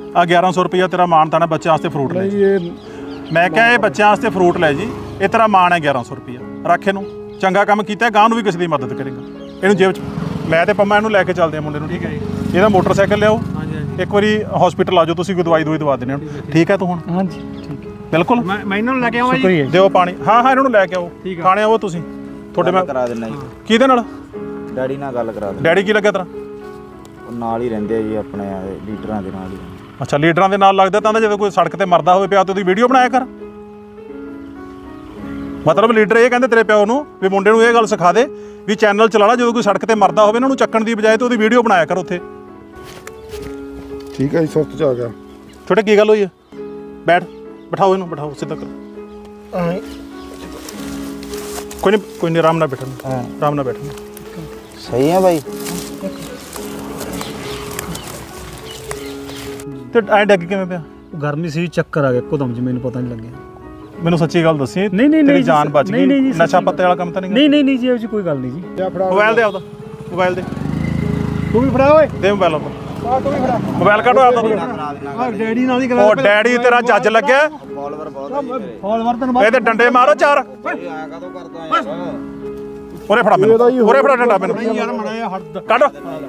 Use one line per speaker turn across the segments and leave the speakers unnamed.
ਆ 1100 रुपया तेरा मान था ना बच्चे वास्ते फ्रूट ले जी। मैं क्या ये बच्चों वास्ते फ्रूट ले जी, ये तेरा मान है 1100 रुपया, रख इनू चंगा काम किया, गांह भी किसी की मदद करेगा। इनू जेब च मैं तो पम्मा इनू लैके चलते हैं मुंडे नू, ठीक है जी। ਇਹਦਾ मोटरसाइकिल लियाओ, एक बारी हॉस्पिटल आ जाओ, तुसीं कोई दवाई दवा देने ठीक है तू हुण। हाँ जी ठीक है बिल्कुल। मैं इन्हों लैके आवां जी, दिओ पानी। हाँ हाँ इन्हों लैके आओ, खाने आओ तुसीं, थोड़े मैं
करा देना जी।
किहदे नाल?
डैडी नाल गल करा दे।
डैडी की लग्या तेरा?
ਨਾਲ ਹੀ ਰਹਿੰਦੇ ਆ ਜੀ, ਆਪਣੇ ਲੀਡਰਾਂ ਦੇ ਨਾਲ ਹੀ।
ਅੱਛਾ ਲੀਡਰਾਂ ਦੇ ਨਾਲ ਲੱਗਦਾ ਤਾਂ ਜਦੋਂ ਕੋਈ ਸੜਕ ਤੇ ਮਰਦਾ ਹੋਵੇ ਪਿਆ ਤੇ ਉਹਦੀ ਵੀਡੀਓ ਬਣਾਇਆ ਕਰ। ਮਤਲਬ ਲੀਡਰ ਇਹ ਕਹਿੰਦੇ ਤੇਰੇ ਪਿਓ ਨੂੰ ਵੀ ਮੁੰਡੇ ਨੂੰ ਇਹ ਗੱਲ ਸਿਖਾ ਦੇ ਵੀ ਚੈਨਲ ਚਲਾ ਲਾ, ਜਦੋਂ ਕੋਈ ਸੜਕ ਤੇ ਮਰਦਾ ਹੋਵੇ ਇਹਨਾਂ ਨੂੰ ਚੱਕਣ ਦੀ ਬਜਾਏ ਤੇ ਉਹਦੀ ਵੀਡੀਓ ਬਣਾਇਆ ਕਰ ਉੱਥੇ।
ਠੀਕ ਹੈ ਜੀ, ਸੁਰਤ ਚ ਆ ਗਿਆ।
ਛੋਟੇ ਕੀ ਗੱਲ ਹੋਈ ਹੈ? ਬੈਠ, ਬਿਠਾਓ ਇਹਨੂੰ, ਬਿਠਾਓ ਸਿੱਧਾ ਕਰੋ। ਕੋਈ ਨਹੀਂ ਆਰਾਮ ਨਾਲ ਬੈਠਣਾ, ਆਰਾਮ ਨਾਲ ਬੈਠਣਾ।
ਸਹੀ ਹੈ ਬਾਈ।
ਤੇ ਐ ਡੱਗ ਕਿਵੇਂ ਪਿਆ?
ਗਰਮੀ ਸੀ, ਚੱਕਰ ਆ ਗਿਆ ਇੱਕਦਮ ਜੀ, ਮੈਨੂੰ ਪਤਾ ਨਹੀਂ ਲੱਗਿਆ।
ਮੈਨੂੰ ਸੱਚੀ ਗੱਲ ਦੱਸੀ।
ਨਹੀਂ
ਤੇਰੀ ਜਾਨ ਬਚ ਗਈ? ਨਸ਼ਾ ਪੱਤੇ ਵਾਲਾ ਕੰਮ ਤਾਂ ਨਹੀਂ?
ਨਹੀਂ ਜੀ, ਇਹ ਜੀ ਕੋਈ ਗੱਲ ਨਹੀਂ ਜੀ।
ਮੋਬਾਈਲ ਦੇ ਆਪਦਾ, ਮੋਬਾਈਲ ਦੇ,
ਤੂੰ ਵੀ ਫੜਾ ਓਏ,
ਦੇ ਮੋਬਾਈਲ ਆਪਦਾ।
ਤੂੰ ਵੀ ਫੜਾ
ਮੋਬਾਈਲ ਕੱਢੋ ਆਪਦਾ।
ਡੈਡੀ ਨਾਲ ਹੀ ਕਰਾ।
ਉਹ ਡੈਡੀ ਤੇਰਾ ਜੱਜ ਲੱਗਿਆ।
ਫਾਲੋਅਰ ਬਹੁਤ ਹੈ
ਫਾਲੋਅਰ ਤੈਨੂੰ
ਇਹਦੇ ਡੰਡੇ ਮਾਰੋ ਚਾਰ।
ਆ ਕਦੋਂ ਕਰਦਾ ਯਾਰ?
ਉਰੇ ਫੜਾ ਮੈਨੂੰ, ਉਰੇ ਫੜਾ ਡੰਡਾ ਮੈਨੂੰ
ਯਾਰ ਮੜਾ ਹੱਦ
ਕੱਢ।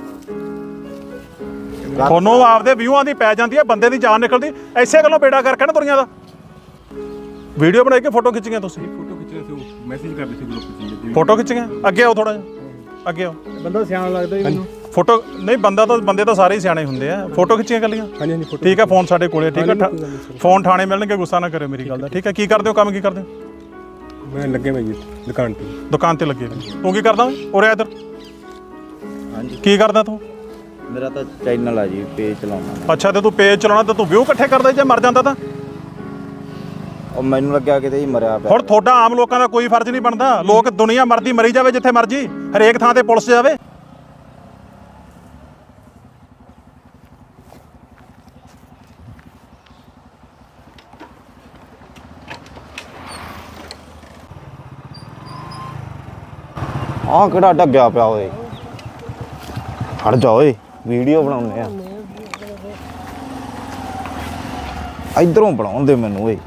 ਤੁਹਾਨੂੰ ਆਪਦੇ ਵਿਊਆਂ ਦੀ ਪੈ ਜਾਂਦੀ ਹੈ, ਬੰਦੇ ਦੀ ਜਾਨ ਨਿਕਲਦੀ ਐਸੇ ਗੱਲੋਂ ਬੇੜਾ ਕਰਕੇ ਨਾ ਦੁਨੀਆ ਦਾ। ਵੀਡੀਓ ਬਣਾ ਕੇ ਫੋਟੋ ਖਿੱਚੀਆਂ ਤੁਸੀਂ?
ਫੋਟੋ ਖਿੱਚ ਰਹੇ ਸੀ, ਮੈਸੇਜ ਕਰਦੇ ਸੀ ਗਰੁੱਪ 'ਚ।
ਫੋਟੋ ਖਿੱਚੀਆਂ? ਅੱਗੇ ਆਓ ਥੋੜਾ ਜਿਹਾ, ਅੱਗੇ ਆਓ।
ਬੰਦਾ ਸਿਆਣਾ ਲੱਗਦਾ ਜੀ ਮੈਨੂੰ।
ਫੋਟੋ ਨਹੀਂ, ਬੰਦੇ ਤਾਂ ਸਾਰੇ ਹੀ ਸਿਆਣੇ ਹੁੰਦੇ ਆ। ਫੋਟੋ ਖਿੱਚੀਆਂ ਕੱਲੀਆਂ?
ਹਾਂਜੀ ਹਾਂਜੀ ਫੋਟੋ।
ਠੀਕ ਹੈ, ਫੋਨ ਸਾਡੇ ਕੋਲੇ, ਠੀਕ ਹੈ। ਫੋਨ ਥਾਣੇ ਮਿਲਣਗੇ, ਗੁੱਸਾ ਨਾ ਕਰਿਓ ਮੇਰੀ ਗੱਲ ਦਾ, ਠੀਕ ਹੈ। ਕੀ ਕਰਦੇ ਹੋ ਕੰਮ, ਕੀ ਕਰਦੇ ਹੋ?
ਮੈਂ ਲੱਗੇ ਮੈਂ ਜੀ ਦੁਕਾਨ ਤੇ।
ਦੁਕਾਨ ਤੇ ਲੱਗੇ ਨੇ। ਤੂੰ ਕੀ ਕਰਦਾ? ਉਰੇ ਇੱਧਰ
ਹਾਂਜੀ
ਕੀ ਕਰਦਾ ਤੂੰ?
ਮੇਰਾ ਤਾਂ ਚੈਨਲ ਆ ਜੀ, ਪੇਜ ਚਲਾਉਣਾ।
ਅੱਛਾ ਤੇ ਤੂੰ ਪੇਜ ਚਲਾਉਣਾ ਤੇ ਤੂੰ ਵਿਊ ਇਕੱਠੇ ਕਰਦਾ ਜੇ ਮਰ ਜਾਂਦਾ ਤਾਂ?
ਉਹ ਮੈਨੂੰ ਲੱਗਿਆ ਕਿਤੇ ਹੀ ਮਰਿਆ ਪਿਆ।
ਹੁਣ ਤੁਹਾਡਾ ਆਮ ਲੋਕਾਂ ਦਾ ਕੋਈ ਫਰਜ਼ ਨਹੀਂ ਬਣਦਾ। ਲੋਕ ਦੁਨੀਆ ਮਰਦੀ ਮਰੀ ਜਾਵੇ ਜਿੱਥੇ ਮਰਜੀ, ਹਰੇਕ ਥਾਂ ਤੇ ਪੁਲਿਸ ਜਾਵੇ।
ਆਹ ਕਿਹੜਾ ਡੱਗਿਆ ਪਿਆ ਓਏ, ਹਟ ਜਾ ਓਏ, ਵੀਡੀਓ ਬਣਾਉਂਦੇ ਆ। ਇਧਰੋਂ ਬਣਾਉਣ ਦੇ ਮੈਨੂੰ ਓਏ।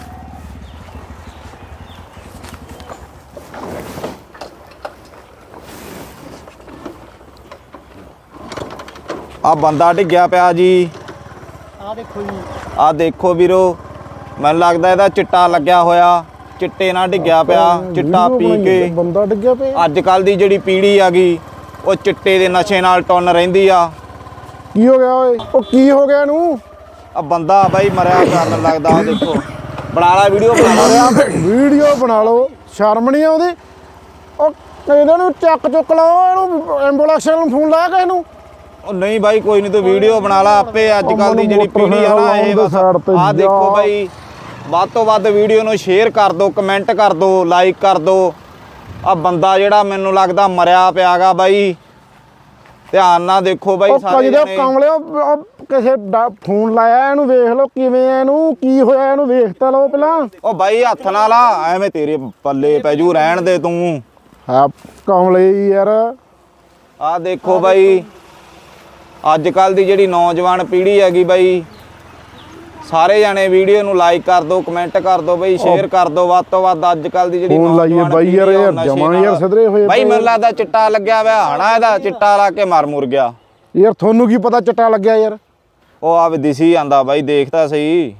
ਆ ਬੰਦਾ ਡਿੱਗਿਆ ਪਿਆ ਜੀ,
ਆ ਦੇਖੋ ਜੀ,
ਆ ਦੇਖੋ ਵੀਰੋ, ਮੈਨੂੰ ਲੱਗਦਾ ਇਹਦਾ ਚਿੱਟਾ ਲੱਗਿਆ ਹੋਇਆ, ਚਿੱਟੇ ਨਾਲ ਡਿੱਗਿਆ ਪਿਆ, ਚਿੱਟਾ ਪੀ ਕੇ।
ਬੰਦਾ ਡਿੱਗਿਆ ਪਿਆ।
ਅੱਜ ਕੱਲ ਦੀ ਜਿਹੜੀ ਪੀੜ੍ਹੀ ਆ ਗਈ ਉਹ ਚਿੱਟੇ ਦੇ ਨਸ਼ੇ ਨਾਲ ਟੁੰਨ ਰਹਿੰਦੀ ਆ।
ਕੀ ਹੋ ਗਿਆ ਓਏ? ਉਹ ਕੀ ਹੋ ਗਿਆ ਇਹਨੂੰ?
ਆ ਬੰਦਾ ਬਾਈ ਮਰਿਆ ਪਿਆ ਮੈਨੂੰ ਲੱਗਦਾ। ਆ ਦੇਖੋ, ਬਣਾ ਲਾ ਵੀਡੀਓ, ਬਣਾ ਲਾ।
ਵੀਡੀਓ ਬਣਾ ਲਓ, ਸ਼ਰਮ ਨਹੀਂ ਆਉਂਦੀ? ਉਹ ਇਹਨਾਂ ਨੂੰ ਚੁੱਕ ਲਾਓ, ਇਹਨੂੰ ਐਂਬੂਲੈਂਸ ਨੂੰ ਫੋਨ ਲਾਇਆ ਕਿਸੇ ਨੂੰ?
ਉਹ ਨਹੀਂ ਬਾਈ ਕੋਈ ਨਹੀਂ, ਤੂੰ ਵੀਡੀਓ ਬਣਾ ਲਾ ਆਪੇ। ਅੱਜ ਕੱਲ ਦੀ ਜਿਹੜੀ ਪੀੜ੍ਹੀ ਆ ਨਾ ਇਹ ਬਸ ਆ ਦੇਖੋ ਬਾਈ, ਵੱਧ ਤੋਂ ਵੱਧ ਵੀਡੀਓ ਨੂੰ ਸ਼ੇਅਰ ਕਰ ਦਿਓ, ਕਮੈਂਟ ਕਰ ਦਿਓ, ਲਾਈਕ ਕਰ ਦਿਓ। ਆ ਬੰਦਾ ਜਿਹੜਾ ਮੈਨੂੰ ਲੱਗਦਾ ਮਰਿਆ ਪਿਆਗਾ ਬਾਈ, ਧਿਆਨ ਨਾਲ ਦੇਖੋ ਬਾਈ ਸਾਰੇ ਜਣੇ।
ਕਮਲਿਓ ਕਿਸੇ ਫੋਨ ਲਾਇਆ, ਇਹਨੂੰ ਵੇਖ ਲਓ ਕਿਵੇਂ ਆ, ਇਹਨੂੰ ਕੀ ਹੋਇਆ, ਇਹਨੂੰ ਵੇਖ ਤਾਂ ਲਓ ਪਹਿਲਾਂ।
ਉਹ ਬਾਈ ਹੱਥ ਨਾਲ ਆ, ਐਵੇਂ ਤੇਰੇ ਪੱਲੇ ਪੈ ਜੂ, ਰਹਿਣ ਦੇ ਤੂੰ।
ਹਾਂ ਕਮਲੇ ਯਾਰ।
ਆ ਦੇਖੋ ਬਾਈ, ਅੱਜ ਕੱਲ ਦੀ ਜਿਹੜੀ ਨੌਜਵਾਨ ਪੀੜ੍ਹੀ ਹੈਗੀ ਬਾਈ, ਸਾਰੇ ਜਾਣੇ ਵੀਡੀਓ ਨੂੰ ਲਾਈਕ ਕਰ ਦਿਓ, ਕਮੈਂਟ ਕਰ ਦਿਓ ਬਾਈ, ਸ਼ੇਅਰ ਕਰ ਦਿਓ ਵੱਧ ਤੋਂ ਵੱਧ। ਅੱਜ ਕੱਲ ਦੀ ਜਿਹੜੀ
ਨੌਜਵਾਨ ਬਾਈ ਯਾਰ ਜਮਾਂ ਯਾਰ ਸਿੱਧਰੇ ਹੋਏ
ਬਾਈ, ਮੈਨੂੰ ਲੱਗਦਾ ਚਿੱਟਾ ਲੱਗਿਆ ਹੋਇਆ ਹਣਾ, ਇਹਦਾ ਚਿੱਟਾ ਲਾ ਕੇ ਮਰ ਮੁਰ ਗਿਆ
ਯਾਰ। ਤੁਹਾਨੂੰ ਕੀ ਪਤਾ ਚਿੱਟਾ ਲੱਗਿਆ ਯਾਰ?
ਉਹ ਆ ਵੀ ਦਿਸੀ ਜਾਂਦਾ ਬਾਈ, ਦੇਖ ਤਾਂ ਸਹੀ।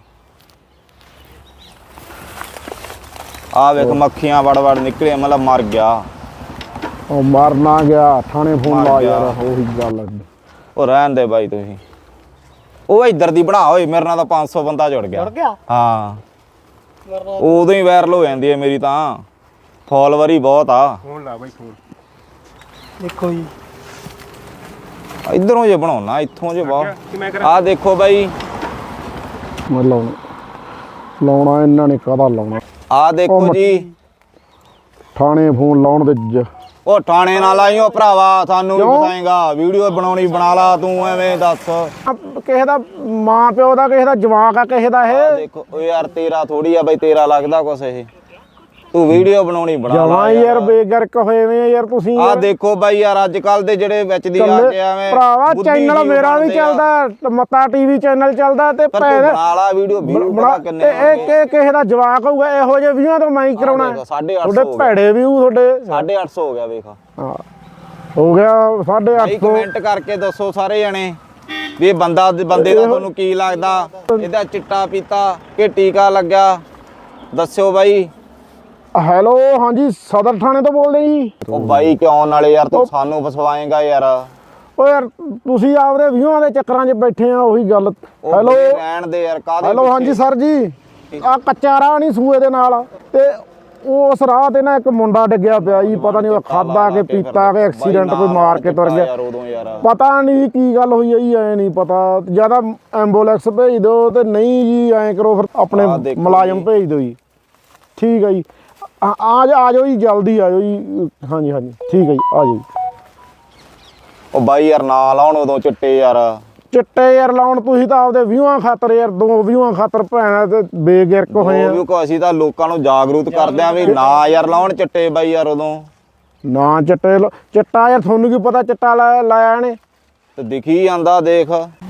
ਆ ਵੇਖ ਮੱਖੀਆਂ ਵੜ ਨਿਕਲੇ, ਮਤਲਬ ਮਰ ਗਿਆ।
ਉਹ ਮਰ ਨਾ ਗਿਆ, ਥਾਣੇ ਫੋਨ ਲਾ ਯਾਰ, ਉਹੀ ਗੱਲ।
ਉਹ ਰਹਿਣ ਦੇ ਬਾਈ ਤੁਸੀਂ। ਉਹ ਇੱਧਰ ਦੀ ਬਣਾ ਓਏ, ਮੇਰੇ ਨਾਲ ਤਾਂ 500 ਬੰਦਾ ਜੁੜ ਗਿਆ। ਹਾਂ ਉਦੋਂ ਹੀ ਵਾਇਰਲ ਹੋ ਜਾਂਦੀ ਹੈ ਮੇਰੀ ਤਾਂ, ਫਾਲੋਅਰ ਹੀ ਬਹੁਤ ਆ।
ਫੋਨ ਲਾ ਬਾਈ, ਫੋਨ
ਦੇਖੋ ਜੀ,
ਇੱਧਰੋਂ ਜੇ ਬਣਾਉਣਾ, ਇੱਥੋਂ ਜੇ ਬਹੁਤ। ਆ ਦੇਖੋ ਬਾਈ,
ਮੈਂ ਲਾਉਣਾ ਇਹਨਾਂ ਨੇ ਕਾਹਦਾ ਲਾਉਣਾ?
ਆ ਦੇਖੋ ਜੀ,
ਥਾਣੇ ਫੋਨ ਲਾਉਣ ਦੇ।
ਉਹ ਥਾਣੇ ਨਾਲ ਆਈਓ ਭਰਾਵਾ, ਸਾਨੂੰ ਵੀ ਬਤਾਏਗਾ। ਵੀਡੀਓ ਬਣਾਉਣੀ ਬਣਾ ਲਾ ਤੂੰ, ਐਵੇਂ ਦੱਸ।
ਕਿਸੇ ਦਾ ਮਾਂ ਪਿਓ ਦਾ, ਕਿਸੇ ਦਾ ਜਵਾਕ ਆ, ਕਿਸੇ ਦਾ ਇਹ।
ਦੇਖੋ ਓ ਯਾਰ, ਤੇਰਾ ਥੋੜੀ ਆ ਬਾਈ, ਤੇਰਾ ਲੱਗਦਾ ਕੁਛ ਇਹ। ਤੂੰ ਵੀਡੀਓ ਬਣਾਉਣੀ ਬਣਾ
ਜਮਾਂ ਯਾਰ ਬੇਗਰਕ ਹੋਏ ਵੇ ਯਾਰ ਤੁਸੀਂ
ਆ ਦੇਖੋ ਬਾਈ ਯਾਰ ਅੱਜ ਕੱਲ ਦੇ ਜਿਹੜੇ ਵਿੱਚ ਦੀ ਆ ਕੇ ਐਵੇਂ
ਭਰਾਵਾ ਚੈਨਲ ਮੇਰਾ ਵੀ ਚੱਲਦਾ, ਮੱਤਾ ਟੀਵੀ ਚੈਨਲ ਚੱਲਦਾ ਤੇ
ਪਰ ਤੂੰ ਬਣਾ ਲਾ ਵੀਡੀਓ ਪਤਾ ਕਿੰਨੇ
ਇਹ ਕਿਸੇ ਦਾ ਜਵਾਕ ਹੋਊਗਾ ਇਹੋ ਜਿਹੇ ਵੀਆਂ ਤੋਂ ਮੈਂ ਹੀ ਕਰਾਉਣਾ।
850
ਤੁਹਾਡੇ ਭੈੜੇ ਵਿਊ ਤੁਹਾਡੇ
850 ਹੋ ਗਿਆ ਵੇਖ
ਹਾਂ ਹੋ ਗਿਆ 850।
ਕਮੈਂਟ ਕਰਕੇ ਦੱਸੋ ਸਾਰੇ ਜਣੇ ਵੀ ਇਹ ਬੰਦੇ ਦਾ ਤੁਹਾਨੂੰ ਕੀ ਲੱਗਦਾ, ਇਹਦਾ ਚਿੱਟਾ ਪੀਤਾ ਕਿ ਟੀਕਾ ਲੱਗਿਆ, ਦੱਸਿਓ ਬਾਈ।
ਹੈਲੋ ਹਾਂਜੀ ਸਦਰ ਥਾਣੇ ਤੋਂ ਬੋਲਦੇ ਜੀ।
ਉਹ ਬਾਈ ਕਿਉਂ ਨਾਲੇ ਯਾਰ ਤੂੰ ਸਾਨੂੰ ਫਸਵਾਏਗਾ ਯਾਰ।
ਓ ਯਾਰ ਤੁਸੀਂ ਆਪਦੇ ਵਿਊਆਂ ਦੇ ਚੱਕਰਾਂ 'ਚ ਬੈਠੇ ਆ ਉਹੀ ਗੱਲ। ਹੈਲੋ
ਰਹਿਣ ਦੇ ਯਾਰ ਕਾਹਦੇ
ਹੈਲੋ ਹਾਂਜੀ ਸਰ ਜੀ, ਆ ਕੱਚਾ ਰਾਹ ਨਹੀਂ ਸੂਏ ਦੇ ਨਾਲ ਤੇ ਉਸ ਰਾਹ ਤੇ ਨਾ ਇੱਕ ਮੁੰਡਾ ਡਿੱਗਿਆ ਪਿਆ ਜੀ, ਪਤਾ ਨਹੀਂ ਉਹ ਖਾਦਾ ਕੇ ਪੀਤਾ ਕੇ ਐਕਸੀਡੈਂਟ ਕੋਈ ਮਾਰ ਕੇ ਤੁਰ ਗਿਆ, ਪਤਾ ਨਹੀਂ ਕੀ ਗੱਲ ਹੋਈ ਹੈ ਜੀ, ਐ ਨਹੀਂ ਪਤਾ। ਜਿਆਦਾ ਐਂਬੂਲੈਂਸ ਭੇਜ ਦਿਓ ਤੇ ਨਹੀਂ ਜੀ ਐਂ ਕਰੋ ਫਿਰ ਆਪਣੇ ਮੁਲਾਜ਼ਮ ਭੇਜ ਦਿਓ ਜੀ। ਠੀਕ ਹੈ ਜੀ ਆ ਜਾਓ ਜੀ, ਜਲਦੀ ਆ ਜਾਓ ਜੀ। ਹਾਂਜੀ ਹਾਂਜੀ ਠੀਕ ਹੈ ਜੀ ਆ ਜਾਓ ਜੀ।
ਉਹ ਬਾਈ ਯਾਰ ਨਾ ਲਾਉਣ ਉਦੋਂ ਚਿੱਟੇ ਯਾਰ,
ਚਿੱਟੇ ਯਾਰ ਲਾਉਣ ਤੁਸੀਂ ਤਾਂ ਆਪਦੇ ਵਿਊਆਂ ਖਾਤਰ ਯਾਰ, 2 ਵਿਊਆਂ ਖਾਤਰ ਭੈਣਾ ਤੇ ਬੇਗਿਰਕ ਹੋਏ ਆ।
ਅਸੀਂ ਤਾਂ ਲੋਕਾਂ ਨੂੰ ਜਾਗਰੂਕ ਕਰਦੇ ਆ ਵੀ ਨਾ ਯਾਰ ਲਾਉਣ ਚਿੱਟੇ ਬਾਈ ਯਾਰ ਉਦੋਂ
ਨਾ ਚਿੱਟਾ ਯਾਰ ਤੁਹਾਨੂੰ ਕੀ ਪਤਾ ਚਿੱਟਾ ਲਾਇਆ ਇਹਨੇ
ਤੇ ਦਿਖੀ ਜਾਂਦਾ ਦੇਖ।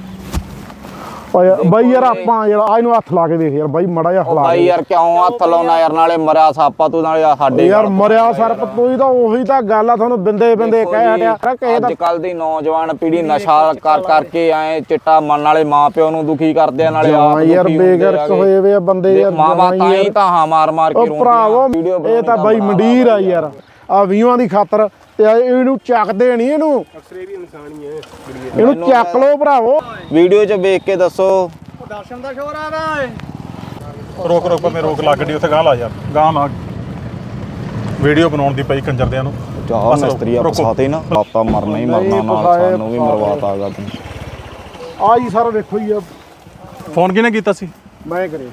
ਬਾਈ ਯਾਰ ਆਪਾਂ ਯਾਰ ਆ ਇਹਨੂੰ ਹੱਥ ਲਾ ਕੇ ਦੇਖ ਯਾਰ ਬਾਈ ਮੜਾ ਜਿਹਾ ਹਲਾ
ਬਾਈ ਯਾਰ ਕਿਉਂ ਹੱਥ ਲਾਉਣਾ ਯਾਰ, ਨਾਲੇ ਮਰਿਆ ਸਾਪਾ ਤੂੰ ਨਾਲੇ ਸਾਡੇ
ਯਾਰ ਮਰਿਆ ਸਰਪ ਤੂੰ ਤਾਂ ਉਹੀ ਤਾਂ ਗੱਲ ਆ, ਤੁਹਾਨੂੰ ਬਿੰਦੇ ਕਹਿ ਹਟਿਆ ਕਿਸੇ ਦਾ।
ਅੱਜ ਕੱਲ ਦੀ ਨੌਜਵਾਨ ਪੀੜ੍ਹੀ ਨਸ਼ਾ ਕਰਕੇ ਆਏ ਚਿੱਟਾ ਮੰਨ ਵਾਲੇ ਮਾਂ ਪਿਓ ਨੂੰ ਦੁਖੀ ਕਰਦੇ ਆ, ਨਾਲੇ ਆਪ
ਯਾਰ ਬੇਗਰਕ ਹੋਏ ਵੇ ਆ ਬੰਦੇ ਯਾਰ।
ਮਾਵਾ ਤਾਂ ਹੀ ਤਾਂ ਹਾਂ ਮਾਰ ਕੇ
ਉਹ ਭਰਾਵੋ ਇਹ ਤਾਂ ਬਾਈ ਮੰਡੀਰ ਆ ਯਾਰ, ਆ ਵੀਹਾਂ ਦੀ ਖਾਤਰ ਤੇ ਇਹਨੂੰ ਚੱਕਦੇ ਨਹੀਂ, ਇਹਨੂੰ ਇਹਨੂੰ ਚੱਕ ਲਓ ਭਰਾਵੋ।
ਵੀਡੀਓ 'ਚ ਵੇਖ ਕੇ ਦੱਸੋ।
ਦਰਸ਼ਨ ਦਾ ਸ਼ੋਰ ਆਦਾ ਏ।
ਰੋਕ ਮੈਂ ਰੋਕ ਲਾ ਗੱਡੀ ਉੱਥੇ ਗਾਂ ਲਾ ਯਾਰ, ਗਾਂ ਲਾ। ਵੀਡੀਓ ਬਣਾਉਣ ਦੀ ਪਈ ਕੰਜਰਦਿਆਂ ਨੂੰ।
ਚਾਹ ਮਿਸਤਰੀ ਫਸਾਤੇ ਨਾ, ਪਾਪਾ ਮਰਨਾ ਹੀ ਮਰਨਾ, ਨਾਲ ਸਾਨੂੰ ਵੀ ਮਰਵਾਤਾਗਾ ਤੂੰ।
ਆ ਜੀ ਸਰ ਵੇਖੋ ਜੀ,
ਫੋਨ ਕਿਹਨੇ ਕੀਤਾ ਸੀ?
ਮੈਂ ਕਰੇ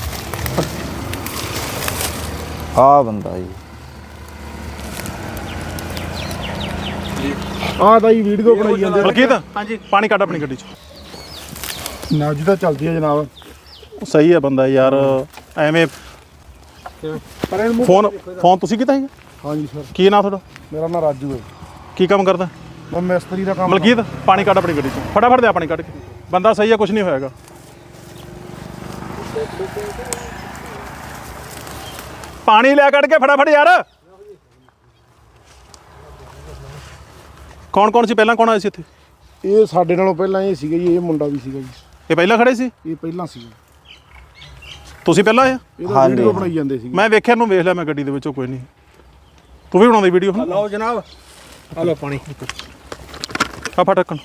ਆ ਬੰਦਾ ਜੀ
ਆ ਤਾਂ ਜੀ ਵੀਡੀਓ ਬਣਾਈ ਜਾਂਦੇ।
ਮਲਕੀਤ ਹਾਂਜੀ ਪਾਣੀ ਕੱਢ ਆਪਣੀ ਗੱਡੀ 'ਚ।
ਨਾ ਜੀ ਤਾਂ ਚੱਲਦੀ ਹੈ ਜਨਾਬ।
ਸਹੀ ਹੈ ਬੰਦਾ ਯਾਰ, ਐਵੇਂ ਫੋਨ ਤੁਸੀਂ ਕੀਤਾ ਸੀ?
ਹਾਂਜੀ ਸਰ।
ਕੀ ਨਾਂ ਤੁਹਾਡਾ?
ਮੇਰਾ ਨਾਮ ਰਾਜੂ ਹੈ।
ਕੀ ਕੰਮ ਕਰਦਾ?
ਮੈਂ ਮਿਸਤਰੀ ਦਾ ਕੰਮ।
ਮਲਕੀਤ ਪਾਣੀ ਕੱਢ ਆਪਣੀ ਗੱਡੀ 'ਚ, ਫਟਾਫਟ ਦੇ ਪਾਣੀ ਕੱਢ ਕੇ। ਬੰਦਾ ਸਹੀ ਹੈ, ਕੁਝ ਨਹੀਂ ਹੋਏਗਾ। ਪਾਣੀ ਲਿਆ ਕੱਢ ਕੇ ਫਟਾਫਟ ਯਾਰ। ਕੌਣ ਸੀ ਪਹਿਲਾਂ, ਕੌਣ ਆਇਆ ਸੀ ਇੱਥੇ?
ਇਹ ਸਾਡੇ ਨਾਲੋਂ ਪਹਿਲਾਂ ਇਹ ਸੀਗਾ ਜੀ, ਇਹ ਮੁੰਡਾ ਵੀ ਸੀਗਾ ਜੀ।
ਇਹ ਪਹਿਲਾਂ ਖੜੇ ਸੀ?
ਇਹ ਪਹਿਲਾਂ ਸੀਗਾ।
ਤੁਸੀਂ ਪਹਿਲਾਂ ਆਏ?
ਇਹਦਾ ਵੀਡੀਓ ਬਣਾਈ ਜਾਂਦੇ ਸੀ।
ਮੈਂ ਵੇਖਿਆ ਨੂੰ ਵੇਖ ਲਿਆ ਮੈਂ ਗੱਡੀ ਦੇ ਵਿੱਚੋਂ, ਕੋਈ ਨਹੀਂ। ਤੂੰ ਵੀ ਬਣਾਉਂਦੀ ਵੀਡੀਓ?
ਲਓ ਜਨਾਬ ਆ ਲਓ ਪਾਣੀ।
ਆ ਫੜ ਢੱਕਣ।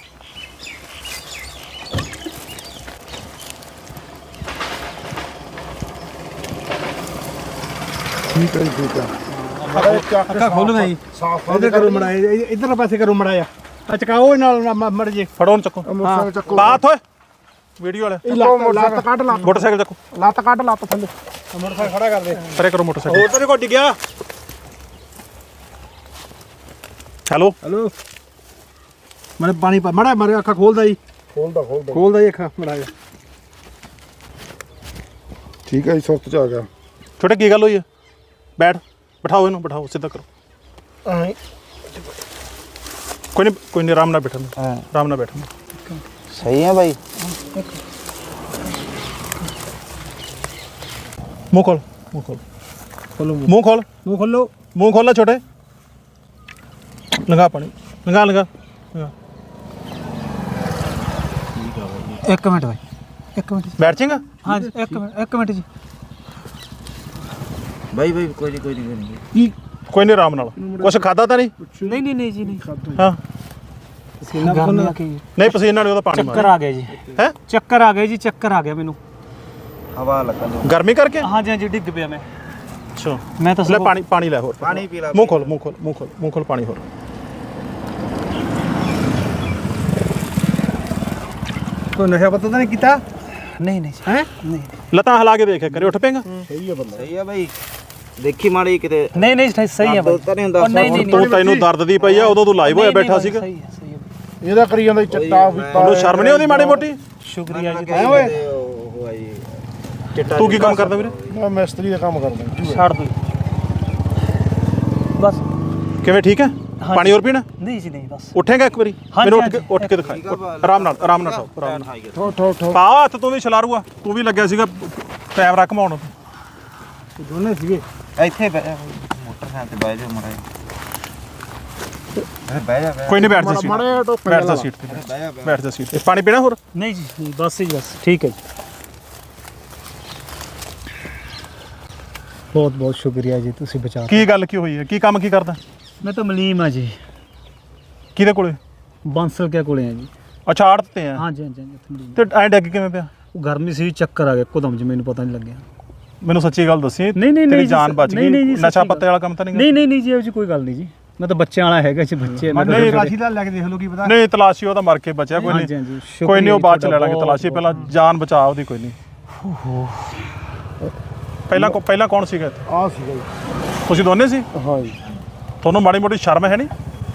ਠੀਕ ਹੈ ਜੀ ਠੀਕ ਹੈ।
ਅੱਖਾਂ ਖੋਲਣਾ ਜੀ, ਇਧਰ ਕਰੋ ਮੜਾਇਆ, ਇਧਰ ਪਾਸੇ ਕਰੋ ਮੜਾਇਆ। ਆ ਚਕਾਓ ਨਾਲ ਮੜ ਜੇ।
ਫੜੋ ਉਹਨੂੰ, ਚੱਕੋ
ਮੋਟਰਸਾਈਕਲ ਚੱਕੋ।
ਬਾਤ ਹੋਏ ਵੀਡੀਓ ਵਾਲੇ।
ਲੱਤ ਕੱਢ ਲੱਤ।
ਮੋਟਰਸਾਈਕਲ ਚੱਕੋ,
ਲੱਤ ਕੱਢ ਲੱਤ ਥੱਲੇ।
ਮੋਟਰਸਾਈਕਲ ਖੜਾ ਕਰ ਦੇ।
ਪਰੇ ਕਰੋ ਮੋਟਰਸਾਈਕਲ।
ਹੋਰ ਤਾਂ ਕੋਈ ਡਿੱਗਿਆ।
ਹੈਲੋ
ਮੈਂ ਪਾਣੀ ਮੜਾ ਮਾਰੇ, ਅੱਖਾਂ ਖੋਲਦਾ ਜੀ, ਖੋਲਦਾ ਜੀ ਅੱਖਾਂ ਮੜਾਇਆ।
ਠੀਕ ਹੈ ਜੀ ਸੁਰਤ ਚ ਆ ਗਿਆ।
ਛੋਟੇ ਕੀ ਗੱਲ ਹੋਈ ਹੈ? ਬਿਠਾਓ ਇਹਨੂੰ, ਬਿਠਾਓ, ਸਿੱਧਾ ਕਰੋ। ਕੋਈ ਨਹੀਂ ਆਰਾਮ ਨਾਲ ਬੈਠਣਾ, ਆਰਾਮ ਨਾਲ ਬੈਠਣਾ।
ਸਹੀ ਹੈ ਬਾਈ।
ਮੂੰਹ ਖੋਲ ਮੂੰਹ ਖੋਲ ਛੋਟੇ। ਲੰਗਾ ਪਾਣੀ, ਲੰਗਾ।
ਇੱਕ ਮਿੰਟ ਬਾਈ, ਇੱਕ ਮਿੰਟ।
ਬੈਠ ਜਾਏਗਾ?
ਹਾਂ ਇੱਕ ਮਿੰਟ ਜੀ।
ਬਾਈ ਕੋਈ ਨਹੀਂ
ਕੋਈ ਨਹੀਂ, ਆਰਾਮ ਨਾਲ। ਕੁਛ ਖਾਦਾ ਤਾਂ ਨਹੀਂ?
ਨਹੀਂ ਜੀ ਨਹੀਂ।
ਹਾਂ
ਪਸੀਨਾ ਖੁੱਲ੍ਹ ਕੇ
ਨਹੀਂ, ਪਸੀਨਾ ਨਹੀਂ, ਉਹਦਾ ਪਾਣੀ
ਚੱਕਰ ਆ ਗਿਆ ਜੀ।
ਹੈ
ਚੱਕਰ ਆ ਗਏ ਜੀ, ਚੱਕਰ ਆ ਗਿਆ ਮੈਨੂੰ।
ਹਵਾ ਲੱਗਣ
ਗਰਮੀ ਕਰਕੇ?
ਹਾਂਜੀ ਡਿੱਗ ਪਿਆ ਮੈਂ।
ਅੱਛਾ
ਮੈਂ ਤਾਂ
ਲੈ ਪਾਣੀ ਲੈ, ਹੋਰ
ਪਾਣੀ ਪੀ ਲੈ।
ਮੂੰਹ ਖੋਲ ਪਾਣੀ ਹੋਰ।
ਕੋਈ ਨਸ਼ਾ ਪਤਾ ਤਾਂ ਨਹੀਂ ਕੀਤਾ? ਨਹੀਂ ਹੈ ਨਹੀਂ।
ਲੱਤਾਂ ਹਿਲਾ ਕੇ ਦੇਖਿਆ ਕਰੇ, ਉੱਠ ਪਏਗਾ।
ਸਹੀ ਹੈ ਬਾਈ, ਦੇਖੀ ਮਾੜੀ ਕਿਤੇ।
ਨਹੀਂ ਸਹੀ ਹੈ ਬਾਈ।
ਤੂੰ ਤੈਨੂੰ ਦਰਦ ਦੀ ਪਈ ਆ, ਉਦੋਂ ਤੂੰ ਲਾਈਵ ਹੋਇਆ ਬੈਠਾ ਸੀਗਾ।
ਸਹੀ ਹੈ
ਇਹਦਾ ਕਰੀ ਜਾਂਦਾ ਚਿੱਟਾ ਪੀਤਾ।
ਤੈਨੂੰ ਸ਼ਰਮ ਨਹੀਂ ਆਉਂਦੀ ਮਾੜੀ ਮੋਟੀ?
ਸ਼ੁਕਰੀਆ ਜੀ।
ਉਹ ਆਈ
ਤੂੰ ਕੀ ਕੰਮ ਕਰਦਾ ਵੀਰੇ?
ਮੈਂ ਮਿਸਤਰੀ ਦਾ ਕੰਮ ਕਰਦਾ।
ਛੱਡ ਦੋ।
ਬਸ
ਕਿਵੇਂ ਠੀਕ ਹੈ? ਪਾਣੀ ਹੋਰ ਪੀਣਾ?
ਨਹੀਂ ਜੀ ਨਹੀਂ ਬਸ
ਉੱਠੇਗਾ ਇੱਕ ਵਾਰੀ?
ਹਾਂਜੀ,
ਮੈਨੂੰ
ਹਾਂਜੀ।
ਉੱਠ ਕੇ ਦਿਖਾਈ। ਆਰਾਮ ਨਾਲ ਆਰਾਮ ਨਾਲ ਪਾ ਹੱਥ। ਤੂੰ ਵੀ ਛਲਾਰੂ ਤੂੰ ਵੀ ਲੱਗਿਆ ਸੀਗਾ ਕੈਮਰਾ ਘਮਾਉਣ।
ਦੋਨੇ ਸੀਗੇ
ਇੱਥੇ ਮੋਟਰਸਾਈਕਲ ਤੇ ਬਹਿ ਜਾ ਮੜਾ ਬਹਿ ਜਾ
ਕੋਈ ਨਹੀਂ, ਬੈਠ ਜਾ ਸੀਟ
ਮਾੜਾ ਜਿਹਾ ਟੋਕਨ
ਬੈਠ ਜਾ ਸੀਟ ਤੇ ਬੈਠ ਜਾ ਸੀਟ ਤੇ। ਪਾਣੀ ਪੀਣਾ ਹੋਰ?
ਨਹੀਂ ਜੀ ਬਸ ਜੀ ਬਸ ਠੀਕ ਹੈ ਜੀ ਬਹੁਤ ਬਹੁਤ ਸ਼ੁਕਰੀਆ ਜੀ ਤੁਸੀਂ ਬਚਾ
ਕੀ ਗੱਲ ਕੀ ਹੋਈ ਹੈ? ਕੀ ਕੰਮ ਕੀ ਕਰਦਾ?
ਮੈਂ ਤਾਂ ਮਲੀਮ ਆ ਜੀ
ਕਿਹਦੇ ਕੋਲੇ?
ਬਾਂਸਲ ਕੇ ਕੋਲੇ ਆ ਜੀ
ਅੱਛਾ ਆੜਤ ਤੇ ਆ।
ਹਾਂਜੀ ਹਾਂਜੀ ਉੱਥੇ ਮਲੀਮ।
ਤੇ ਐ ਡੱਗ ਕਿਵੇਂ ਪਿਆ?
ਉਹ ਗਰਮੀ ਸੀ ਚੱਕਰ ਆ ਗਿਆ ਇੱਕਦਮ ਜੀ ਮੈਨੂੰ ਪਤਾ ਨਹੀਂ ਲੱਗਿਆ।
ਮੈਨੂੰ ਸੱਚੀ ਗੱਲ ਦੱਸੀ।
ਨਹੀਂ ਨਹੀਂ
ਤੇਰੀ
ਨਹੀਂ
ਜਾਨ ਬਚ ਗਈ। ਨਸ਼ਾ ਪੱਤੇ ਵਾਲਾ ਕੰਮ ਤਾਂ ਨਹੀਂ?
ਨਹੀਂ ਨਹੀਂ ਨਹੀਂ ਜੀ ਇਹੋ ਜਿਹੀ ਕੋਈ ਗੱਲ ਨਹੀਂ ਜੀ ਮੈਂ ਤਾਂ ਬੱਚਿਆਂ ਵਾਲਾ ਹੈਗਾ ਜੀ ਬੱਚੇ ਮੈਂ ਤਾਂ
ਨਹੀਂ,
ਰਾਸ਼ੀ ਦਾ ਲੈ ਕੇ ਦੇਖ ਲਓ ਕੀ ਪਤਾ।
ਨਹੀਂ ਤਲਾਸ਼ੀ ਉਹਦਾ ਮਰ ਕੇ ਬਚਿਆ। ਕੋਈ
ਹਾਂਜੀ,
ਨਹੀਂ
ਹਾਂਜੀ,
ਕੋਈ ਨਹੀਂ, ਉਹ ਬਾਅਦ ਚ
ਸ਼ੁਕਰੀਆ
ਲੈ ਲਾਂਗੇ ਤਲਾਸ਼ੀ। ਪਹਿਲਾਂ ਜਾਨ ਬਚਾ ਉਹਦੀ। ਕੋਈ ਨਹੀਂ। ਪਹਿਲਾਂ ਕੌਣ ਸੀਗਾ ਇੱਥੇ?
ਆ ਸੀਗਾ ਜੀ।
ਤੁਸੀਂ ਦੋਨੇ ਸੀ?
ਹਾਂ ਜੀ।
ਤੁਹਾਨੂੰ ਮਾੜੀ ਮੋਟੀ ਸ਼ਰਮ ਹੈ ਨਹੀਂ?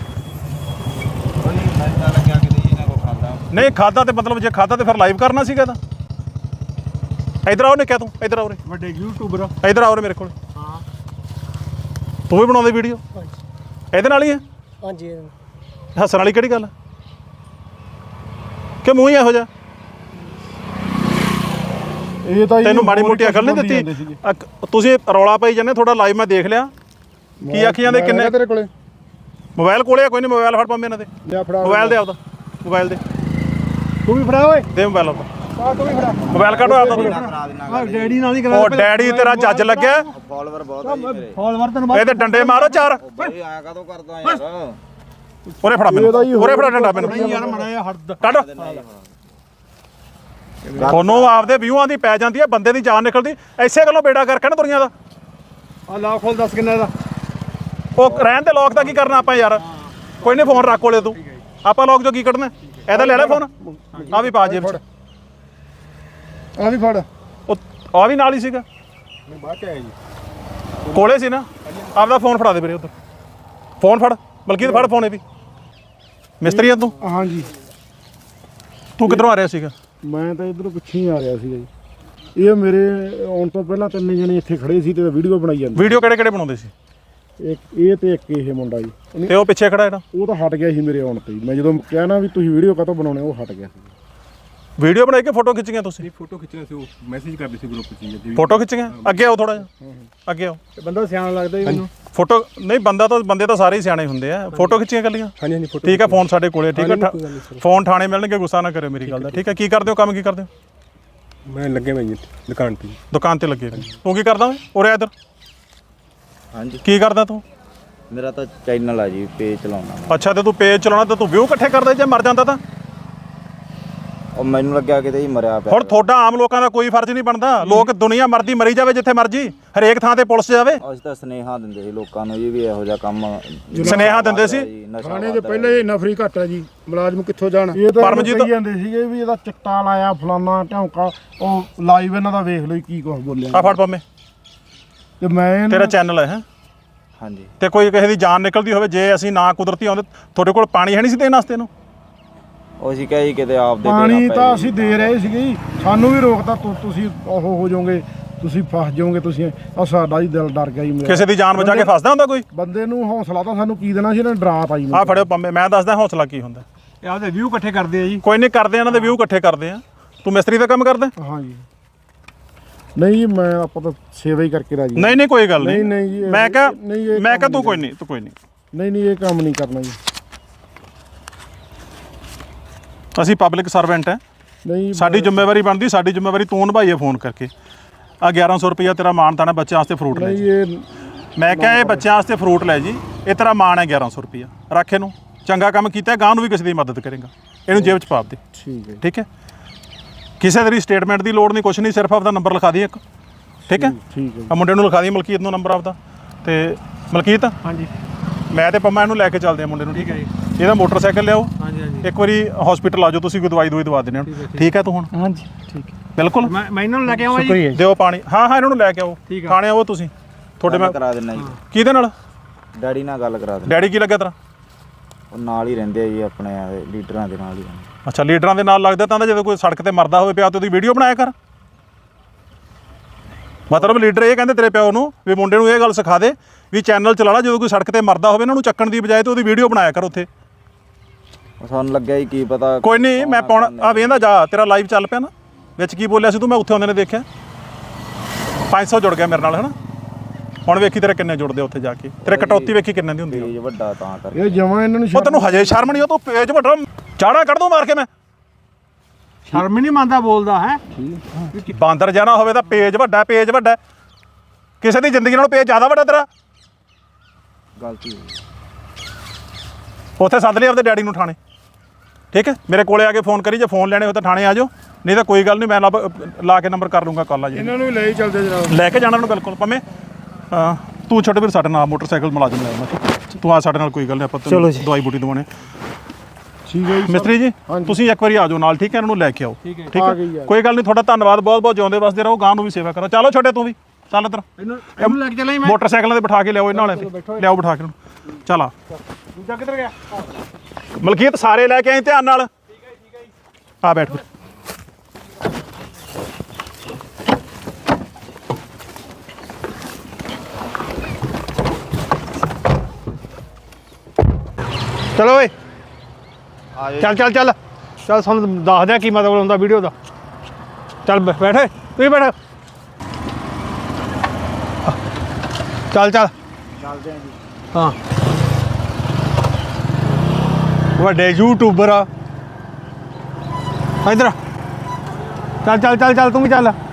ਨਹੀਂ ਖਾਦਾ ਤੇ ਮਤਲਬ ਜੇ ਖਾਦਾ ਤੇ ਫਿਰ ਲਾਈਵ ਕਰਨਾ ਸੀਗਾ ਤਾਂ। ਇਧਰ ਆਓ ਨੇ ਕਿਹਾ ਤੂੰ ਇਧਰ ਆਓ ਰੇ
ਵੱਡੇ ਯੂਟਿਊਬਰ
ਇਧਰ ਆਓ ਰੇ ਮੇਰੇ ਕੋਲ।
ਹਾਂ
ਤੂੰ ਵੀ ਬਣਾਉਂਦੇ ਵੀਡੀਓ ਇਹਦੇ ਨਾਲ ਹੀ ਹੈ?
ਹਾਂਜੀ
ਹੱਸਣ ਵਾਲੀ ਕਿਹੜੀ ਗੱਲ ਹੈ? ਕਿ ਮੂੰਹ ਹੀ ਇਹੋ ਜਿਹਾ?
ਇਹ ਤਾਂ
ਤੈਨੂੰ ਮਾੜੀ ਮੋਟੀ ਅਕਲ ਨਹੀਂ ਦਿੱਤੀ? ਤੁਸੀਂ ਰੌਲਾ ਪਾਈ ਜਾਂਦੇ। ਤੁਹਾਡਾ ਲਾਈਵ ਮੈਂ ਦੇਖ ਲਿਆ। ਕੀ ਆਖੀ ਜਾਂਦੇ? ਕਿੰਨੇ
ਤੇਰੇ ਕੋਲੇ
ਮੋਬਾਈਲ ਕੋਲੇ ਆ? ਕੋਈ ਨਹੀਂ, ਮੋਬਾਈਲ ਫੜ ਪੰਮੇ ਇਹਨਾਂ ਦੇ।
ਲਿਆ ਫੜਾ
ਮੋਬਾਈਲ ਦੇ ਆਪਦਾ। ਮੋਬਾਈਲ ਦੇ
ਤੂੰ ਵੀ ਫੜਾ ਓਏ
ਦੇ ਮੋਬਾਈਲ ਆਪਦਾ।
ਤੂੰ ਵੀ ਫੜਾ
ਮੋਬਾਈਲ ਕੱਢੋ ਆਪਦਾ।
ਆ ਡੈਡੀ ਨਾਲ ਹੀ ਕਰਾ
ਉਹ ਡੈਡੀ ਤੇਰਾ ਜੱਜ ਲੱਗਿਆ।
ਫਾਲੋਅਰ ਬਹੁਤ ਆ ਜੀ ਮੇਰੇ।
ਫਾਲੋਅਰ ਤੈਨੂੰ
ਇਹਦੇ ਡੰਡੇ ਮਾਰੋ ਚਾਰ।
ਬਈ ਆਇਆ ਕਾਹਤੋਂ ਕਰਦਾ ਯਾਰ?
ਉਰੇ ਫੜਾ ਮੈਨੂੰ। ਉਰੇ ਫੜਾ ਡੰਡਾ ਮੈਨੂੰ।
ਯਾਰ ਮੜਾ ਜਿਹਾ ਹੱਦ
ਕੱਢ। ਤੁਹਾਨੂੰ ਆਪਦੇ ਵਿਊਆਂ ਦੀ ਪੈ ਜਾਂਦੀ ਹੈ, ਬੰਦੇ ਦੀ ਜਾਨ ਨਿਕਲਦੀ। ਐਸੇ ਗੱਲੋਂ ਬੇੜਾ ਕਰਕੇ ਨਾ ਦੁਨੀਆ ਦਾ।
ਆ ਲਾ ਖੋਲ ਦੱਸ ਕਿੰਨਾ ਇਹਦਾ।
ਉਹ ਰਹਿਣ ਦੇ ਲੋਕ ਦਾ ਕੀ ਕਰਨਾ ਆਪਾਂ ਯਾਰ? ਕੋਈ ਨਹੀਂ, ਫੋਨ ਰੱਖ ਕੋਲੇ ਤੂੰ। ਆਪਾਂ ਲੋਕ ਜੋ ਕੀ ਕੱਢਣਾ ਇਹਦਾ ਲੈ ਲੈ ਫੋਨ। ਆ ਵੀ ਪਾ ਜੇਬ ਚ।
ਆ ਵੀ ਫੜ।
ਉਹ ਆ ਵੀ ਨਾਲ ਹੀ ਸੀਗਾ।
ਬਾਅਦ ਚ ਆਇਆ ਜੀ
ਕੋਲੇ ਸੀ ਨਾ। ਆਪਦਾ ਫੋਨ ਫੜਾ ਦੇ ਵੀਰੇ ਉੱਧਰ। ਫੋਨ ਫੜ ਬਲਕਿ ਫੜ ਫੋਨ। ਇਹ ਵੀ ਮਿਸਤਰੀ ਆ ਤੂੰ?
ਹਾਂ ਜੀ।
ਤੂੰ ਕਿੱਧਰੋਂ ਆ ਰਿਹਾ ਸੀਗਾ?
ਮੈਂ ਤਾਂ ਇਧਰੋਂ ਪਿੱਛੇ ਹੀ ਆ ਰਿਹਾ ਸੀਗਾ ਜੀ। ਇਹ ਮੇਰੇ ਆਉਣ ਤੋਂ ਪਹਿਲਾਂ ਤਿੰਨ ਜਣੇ ਇੱਥੇ ਖੜੇ ਸੀ ਤੇ ਵੀਡੀਓ ਬਣਾਈ ਜਾਂਦੇ।
ਵੀਡੀਓ ਕਿਹੜੇ ਕਿਹੜੇ ਬਣਾਉਂਦੇ ਸੀ?
ਇੱਕ ਇਹ ਤੇ ਇੱਕ ਇਹ ਮੁੰਡਾ ਜੀ।
ਤੇ ਉਹ ਪਿੱਛੇ ਖੜਾ ਜਿਹੜਾ?
ਉਹ ਤਾਂ ਹਟ ਗਿਆ ਸੀ ਮੇਰੇ ਆਉਣ ਤੇ ਹੀ। ਮੈਂ ਜਦੋਂ ਕਿਹਾ ਨਾ ਵੀ ਤੁਸੀਂ ਵੀਡੀਓ ਕਾਹਤੋਂ ਬਣਾਉਣੇ, ਉਹ ਹਟ ਗਿਆ ਸੀ।
ਵੀਡੀਓ ਬਣਾਈ ਕੇ ਫੋਟੋ ਖਿੱਚੀਆਂ ਤੁਸੀਂ?
ਫੋਟੋ ਖਿੱਚਣਾ ਸੀ, ਉਹ ਮੈਸੇਜ ਕਰਦੇ ਸੀ ਗਰੁੱਪ 'ਚ ਜੀ।
ਫੋਟੋ ਖਿੱਚੀਆਂ? ਅੱਗੇ ਆਓ ਥੋੜਾ ਜਿਹਾ। ਅੱਗੇ ਆਓ।
ਬੰਦਾ ਸਿਆਣਾ ਲੱਗਦਾ ਜੀ ਮੈਨੂੰ।
ਫੋਟੋ ਨਹੀਂ ਬੰਦੇ ਤਾਂ ਸਾਰੇ ਹੀ ਸਿਆਣੇ ਹੁੰਦੇ ਆ। ਫੋਟੋ ਖਿੱਚੀਆਂ ਕੱਲੀਆਂ?
ਹਾਂਜੀ ਹਾਂਜੀ ਫੋਟੋ।
ਠੀਕ ਹੈ, ਫੋਨ ਸਾਡੇ ਕੋਲੇ। ਠੀਕ ਹੈ, ਫੋਨ ਥਾਣੇ ਮਿਲਣਗੇ। ਗੁੱਸਾ ਨਾ ਕਰਿਓ ਮੇਰੀ ਗੱਲ ਦਾ। ਠੀਕ ਹੈ, ਕੀ ਕਰਦੇ ਹੋ? ਕੰਮ ਕੀ ਕਰਦੇ ਹੋ?
ਮੈਂ ਲੱਗੇ ਮੈਂ ਜੀ ਦੁਕਾਨ ਤੇ।
ਦੁਕਾਨ ਤੇ ਲੱਗੇ। ਤੂੰ ਕੀ ਕਰਦਾ ਓਏ? ਉਰੇ ਇੱਧਰ।
ਹਾਂਜੀ
ਕੀ ਕਰਦਾ ਤੂੰ?
ਮੇਰਾ ਤਾਂ ਚੈਨਲ ਆ ਜੀ, ਪੇਜ ਚਲਾਉਣਾ।
ਅੱਛਾ, ਤੇ ਤੂੰ ਪੇਜ ਚਲਾਉਣਾ ਤੇ ਤੂੰ ਵਿਊ ਇਕੱਠੇ ਕਰਦਾ ਜੇ ਮਰ ਜਾਂਦਾ ਤਾਂ?
ਉਹ ਮੈਨੂੰ ਲੱਗਿਆ ਕਿਤੇ ਹੀ ਮਰਿਆ ਪਿਆ।
ਹੁਣ ਤੁਹਾਡਾ ਆਮ ਲੋਕਾਂ ਦਾ ਕੋਈ ਫਰਜ਼ ਨਹੀਂ ਬਣਦਾ। ਲੋਕ ਦੁਨੀਆ ਮਰਦੀ ਮਰੀ ਜਾਵੇ ਜਿੱਥੇ ਮਰਜੀ, ਹਰੇਕ ਥਾਂ ਤੇ ਪੁਲਿਸ ਜਾਵੇ।
ਅਸੀਂ ਤਾਂ ਸੁਨੇਹਾ ਦਿੰਦੇ ਸੀ ਲੋਕਾਂ ਨੂੰ ਜੀ ਵੀ ਇਹੋ ਜਿਹਾ ਕੰਮ।
ਸੁਨੇਹਾ ਦਿੰਦੇ ਸੀ?
ਥਾਣੇ ਦੇ ਪਹਿਲੇ ਨਫਰੀ ਘੱਟ ਹੈ ਜੀ। ਮੁਲਾਜ਼ਮ ਕਿੱਥੋਂ ਜਾਣ? ਇਹ ਤਾਂ
ਪਰਮਜੀਤ
ਕਹੀ ਜਾਂਦੇ ਸੀਗੇ ਵੀ ਇਹਦਾ ਚਿੱਟਾ ਲਾਇਆ ਫਲਾਨਾ ਢੌਂਕਾ। ਉਹ ਲਾਈਵ ਇਹਨਾਂ ਦਾ ਵੇਖ ਲਓ ਕੀ ਕੁਝ ਬੋਲਿਆ।
ਆ ਫੜ ਪੰਮੇ,
ਤੇ ਮੈਂ
ਤੇਰਾ ਚੈਨਲ ਹੈ?
ਹਾਂਜੀ।
ਤੇ ਕੋਈ ਕਿਸੇ ਦੀ ਜਾਨ ਨਿਕਲਦੀ ਹੋਵੇ, ਜੇ ਅਸੀਂ ਨਾ ਕੁਦਰਤੀ ਆਉਂਦੇ, ਤੁਹਾਡੇ ਕੋਲ ਪਾਣੀ ਹੈ ਨਹੀਂ ਸੀ ਦੇਣ ਵਾਸਤੇ ਨੂੰ?
ਉਹ ਅਸੀਂ ਕਹੀ ਕਿਤੇ ਆਪ ਦੇ
ਪਾਣੀ ਤਾਂ ਅਸੀਂ ਦੇ ਰਹੇ ਸੀਗੇ ਜੀ। ਸਾਨੂੰ ਵੀ ਰੋਕਤਾ। ਤੁਸੀਂ ਉਹ ਹੋ ਜਾਓਗੇ, ਤੁਸੀਂ ਫਸ ਜਾਓਗੇ। ਤੁਸੀਂ ਆ ਸਾਡਾ ਹੀ ਦਿਲ ਡਰ ਗਿਆ ਜੀ।
ਕਿਸੇ ਦੀ ਜਾਨ ਬਚਾ ਕੇ ਫਸਦਾ ਹੁੰਦਾ ਕੋਈ?
ਬੰਦੇ ਨੂੰ ਹੌਸਲਾ ਤਾਂ ਸਾਨੂੰ ਕੀ ਦੇਣਾ ਸੀ, ਇਹਨਾਂ ਨੇ ਡਰਾਤਾ ਜੀ।
ਆ ਫੜਿਓ ਪੰਮੇ, ਮੈਂ ਦੱਸਦਾ ਹੌਸਲਾ ਕੀ ਹੁੰਦਾ।
ਇਹ ਆਪਦੇ ਵਿਊ ਇਕੱਠੇ ਕਰਦੇ ਆ ਜੀ।
ਕੋਈ ਨਹੀਂ ਕਰਦੇ, ਇਹਨਾਂ ਦੇ ਵਿਊ ਇਕੱਠੇ ਕਰਦੇ ਆ। ਤੂੰ ਮਿਸਤਰੀ ਦਾ ਕੰਮ ਕਰਦਾ?
ਹਾਂ ਜੀ। ਨਹੀਂ ਮੈਂ ਆਪਾਂ ਤਾਂ ਸੇਵਾ ਹੀ ਕਰਕੇ ਰਾਜੀ।
ਨਹੀਂ ਨਹੀਂ ਕੋਈ ਗੱਲ ਨਹੀਂ।
ਨਹੀਂ ਜੀ,
ਮੈਂ ਕਿਹਾ ਤੂੰ ਕੋਈ ਨਹੀਂ
ਨਹੀਂ ਇਹ ਕੰਮ ਨਹੀਂ ਕਰਨਾ ਜੀ।
ਅਸੀਂ ਪਬਲਿਕ ਸਰਵੈਂਟ ਹੈ।
ਨਹੀਂ
ਸਾਡੀ ਜ਼ਿੰਮੇਵਾਰੀ ਬਣਦੀ। ਸਾਡੀ ਜ਼ਿੰਮੇਵਾਰੀ ਤੂੰ ਨਿਭਾਈਏ ਫੋਨ ਕਰਕੇ। ਆ 1100 ਰੁਪਇਆ ਤੇਰਾ ਮਾਣ ਤਾਣਾ ਬੱਚਿਆਂ ਵਾਸਤੇ ਫਰੂਟ ਲੈ
ਨਹੀਂ
ਜੀ।
ਇਹ
ਮੈਂ ਕਿਹਾ ਇਹ ਬੱਚਿਆਂ ਵਾਸਤੇ ਫਰੂਟ ਲੈ ਜੀ। ਇਹ ਤੇਰਾ ਮਾਣ ਹੈ 1100 ਰੁਪਇਆ। ਰੱਖ ਇਹਨੂੰ। ਚੰਗਾ ਕੰਮ ਕੀਤਾ, ਗਾਂ ਨੂੰ ਵੀ ਕਿਸੇ ਦੀ ਮਦਦ ਕਰੇਗਾ। ਇਹਨੂੰ ਜੇਬ 'ਚ ਪਾ ਦੇ।
ਠੀਕ ਹੈ।
ਠੀਕ ਹੈ, ਕਿਸੇ ਤੇਰੀ ਸਟੇਟਮੈਂਟ ਦੀ ਲੋੜ ਨਹੀਂ, ਕੁਛ ਨਹੀਂ। ਸਿਰਫ ਆਪਦਾ ਨੰਬਰ ਲਿਖਾ ਦੀ ਇੱਕ। ਠੀਕ ਹੈ,
ਠੀਕ ਹੈ।
ਆ ਮੁੰਡੇ ਨੂੰ ਲਿਖਾ ਦੀ, ਮਲਕੀਤ ਨੂੰ ਨੰਬਰ ਆਪਦਾ। ਤੇ ਮਲਕੀਤ,
ਹਾਂਜੀ
ਮੈਂ ਤੇ ਪੰਮਾ ਇਹਨੂੰ ਲੈ ਕੇ ਚੱਲਦੇ ਆ ਮੁੰਡੇ ਨੂੰ। ਠੀਕ ਹੈ ਜੀ। ਇਹਦਾ ਮੋਟਰਸਾਈਕਲ ਲਿਆਓ।
ਹਾਂਜੀ ਹਾਂਜੀ
ਇੱਕ ਵਾਰੀ ਹਸਪੀਟਲ ਆ ਜਾਓ, ਤੁਸੀਂ ਕੋਈ ਦਵਾਈ ਦਵਾ ਦਿੰਦੇ ਹੋ। ਠੀਕ ਹੈ ਤੂੰ ਹੁਣ?
ਹਾਂਜੀ ਠੀਕ ਹੈ
ਬਿਲਕੁਲ।
ਮੈਂ ਇਹਨਾਂ ਨੂੰ ਲੈ ਕੇ ਆਵਾਂ ਜੀ।
ਸ਼ੁਕਰੀਆ ਜੀ।
ਦਿਓ ਪਾਣੀ। ਹਾਂ ਇਹਨਾਂ ਨੂੰ ਲੈ ਕੇ ਆਓ।
ਠੀਕ ਆ।
ਥਾਣੇ ਆਓ ਤੁਸੀਂ। ਤੁਹਾਡੇ ਮੈਂ
ਕਰਾ ਦਿੰਦਾ ਜੀ।
ਕਿਹਦੇ ਨਾਲ?
ਡੈਡੀ ਨਾਲ ਗੱਲ ਕਰਾ ਦਿੰਦਾ।
ਡੈਡੀ ਕੀ ਲੱਗਿਆ ਤੇਰਾ?
ਉਹ ਨਾਲ ਹੀ ਰਹਿੰਦੇ ਆ ਜੀ, ਆਪਣੇ ਲੀਡਰਾਂ ਦੇ ਨਾਲ ਹੀ ਰਹਿੰਦੇ।
ਅੱਛਾ, ਲੀਡਰਾਂ ਦੇ ਨਾਲ ਲੱਗਦਾ ਤਾਂ ਜਦੋਂ ਕੋਈ ਸੜਕ ਤੇ ਮਰਦਾ ਹੋਵੇ ਪਿਆ ਤੇ ਉਹਦੀ ਵੀਡੀਓ ਬਣਾਇਆ ਕਰ। ਮਤਲਬ ਲੀਡਰ ਇਹ ਕਹਿੰਦੇ ਤੇਰੇ ਪਿਓ ਨੂੰ ਵੀ ਮੁੰਡੇ ਨੂੰ ਇਹ ਗੱਲ ਸਿਖਾ ਦੇ ਵੀ ਚੈਨਲ ਚਲਾ ਲਾ, ਜਦੋਂ ਕੋਈ ਸੜਕ ਤੇ ਮਰਦਾ ਹੋਵੇ ਇਹਨਾਂ ਨੂੰ ਚੱਕਣ ਦੀ ਬਜਾਏ ਤੇ ਉਹਦੀ ਵੀਡੀਓ ਬਣਾਇਆ ਕਰ ਉੱਥੇ।
ਸਾਨੂੰ ਲੱਗਿਆ ਹੀ ਕੀ ਪਤਾ।
ਕੋਈ ਨਹੀਂ, ਮੈਂ ਪਾਉਣਾ ਆ ਵੇਂਦਾ ਜਾ, ਤੇਰਾ ਲਾਈਵ ਚੱਲ ਪਿਆ ਨਾ, ਵਿੱਚ ਕੀ ਬੋਲਿਆ ਸੀ ਤੂੰ, ਮੈਂ ਉੱਥੇ ਆਉਂਦੇ ਨੇ ਦੇਖਿਆ 500 ਜੁੜ ਗਿਆ ਮੇਰੇ ਨਾਲ, ਹਨਾ। ਹੁਣ ਵੇਖੀ ਤੇਰੇ ਕਿੰਨੇ ਜੁੜਦੇ ਉੱਥੇ ਜਾ ਕੇ, ਤੇਰੇ ਕਟੌਤੀ ਵੇਖੀ ਕਿੰਨੇ ਦੀ ਹੁੰਦੀ
ਪੇਜ ਵੱਡਾ ਤਾਂ ਕਰਕੇ।
ਇਹ ਜਮਾਂ ਇਹਨਾਂ ਨੂੰ
ਉਹ ਤੈਨੂੰ ਹਜੇ ਸ਼ਰਮ ਨਹੀਂ, ਉਹ ਤੂੰ ਪੇਜ ਵੱਡਾ ਚਾੜਾ ਕੱਢ ਦੂੰ ਮਾਰ ਕੇ। ਮੈਂ
ਸ਼ਰਮ ਨਹੀਂ ਮੰਨਦਾ ਬੋਲਦਾ ਹੈ।
ਬਾਂਦਰ ਜਾਣਾ ਹੋਵੇ ਤਾਂ ਪੇਜ ਵੱਡਾ, ਪੇਜ ਵੱਡਾ। ਕਿਸੇ ਦੀ ਜ਼ਿੰਦਗੀ ਨਾਲੋਂ ਪੇਜ ਜ਼ਿਆਦਾ ਵੱਡਾ ਤੇਰਾ।
ਗਲਤੀ
ਉੱਥੇ ਸੱਦ ਲਈ ਆਪਦੇ ਡੈਡੀ ਨੂੰ ਥਾਣੇ, ਠੀਕ ਹੈ। ਮੇਰੇ ਕੋਲੇ ਆ ਕੇ ਫੋਨ ਕਰੀ, ਜੇ ਫੋਨ ਲੈਣੇ ਹੋ ਤਾਂ ਥਾਣੇ ਆ ਜਾਓ, ਨਹੀਂ ਤਾਂ ਕੋਈ ਗੱਲ ਨਹੀਂ, ਮੈਂ ਲਾ ਕੇ ਨੰਬਰ ਕਰ ਲੂੰਗਾ ਕਾਲ ਆ ਜੀ।
ਇਹਨਾਂ ਨੂੰ ਲੈ ਹੀ ਚੱਲਦੇ ਜਨਾਬ,
ਲੈ ਕੇ ਜਾਣਾ ਨੂੰ ਬਿਲਕੁਲ ਭਾਵੇਂ ਤੂੰ ਛੋਟੇ ਵੀਰ ਸਾਡੇ ਨਾਲ ਮੋਟਰਸਾਈਕਲ ਮੁਲਾਜ਼ਮ ਲੈ ਆਉਣਾ, ਤੂੰ ਆ ਸਾਡੇ ਨਾਲ, ਕੋਈ ਗੱਲ ਨਹੀਂ, ਆਪਾਂ ਤੈਨੂੰ ਦਵਾਈ ਬੂਟੀ ਦਵਾਉਣੇ।
ਠੀਕ ਹੈ ਜੀ
ਮਿਸਤਰੀ ਜੀ ਤੁਸੀਂ ਇੱਕ ਵਾਰੀ ਆ ਜਾਓ ਨਾਲ, ਠੀਕ ਹੈ, ਇਹਨਾਂ ਨੂੰ ਲੈ ਕੇ ਆਓ, ਠੀਕ ਹੈ। ਕੋਈ ਗੱਲ ਨਹੀਂ, ਤੁਹਾਡਾ ਧੰਨਵਾਦ, ਬਹੁਤ ਬਹੁਤ ਜਿਉਂਦੇ ਵਸਦੇ ਰਹੋ, ਗਾਂ ਨੂੰ ਵੀ ਸੇਵਾ ਕਰੋ। ਚਲੋ ਛੋਟੇ ਤੂੰ ਵੀ ਚੱਲ ਇੱਧਰ,
ਇਹਨੂੰ ਲੈ ਕੇ ਚੱਲਾਂ ਮੈਂ।
ਮੋਟਰਸਾਈਕਲਾਂ ਤੇ ਬਿਠਾ ਕੇ ਲਿਆਓ ਇਹਨਾਂ ਵਾਲਿਆਂ ਤੇ, ਲਿਆਓ ਬਿਠਾ ਕੇ ਇਹਨੂੰ। ਚੱਲ ਆ
ਦੂਜਾ ਕਿੱਧਰ ਗਿਆ?
ਮਲਕੀਤ ਸਾਰੇ ਲੈ ਕੇ ਆਈ ਧਿਆਨ ਨਾਲ। ਆ ਬੈਠ ਫਿਰ।
ਚਲੋ ਓਏ ਚੱਲ ਚੱਲ ਚੱਲ ਚੱਲ, ਸਾਨੂੰ ਦੱਸ ਦਿਆਂ ਕੀ ਮਤਲਬ ਹੁੰਦਾ ਵੀਡੀਓ ਦਾ। ਚੱਲ ਬੈਠ, ਤੂੰ ਹੀ ਬੈਠ। ਚੱਲ ਚੱਲ ਚੱਲਦੇ ਆਂ ਜੀ। ਹਾਂ ਵੱਡੇ ਯੂਟਿਊਬਰ ਆ ਇੱਧਰ। ਚੱਲ ਚੱਲ ਚੱਲ ਚੱਲ, ਤੂੰ ਵੀ ਚੱਲ।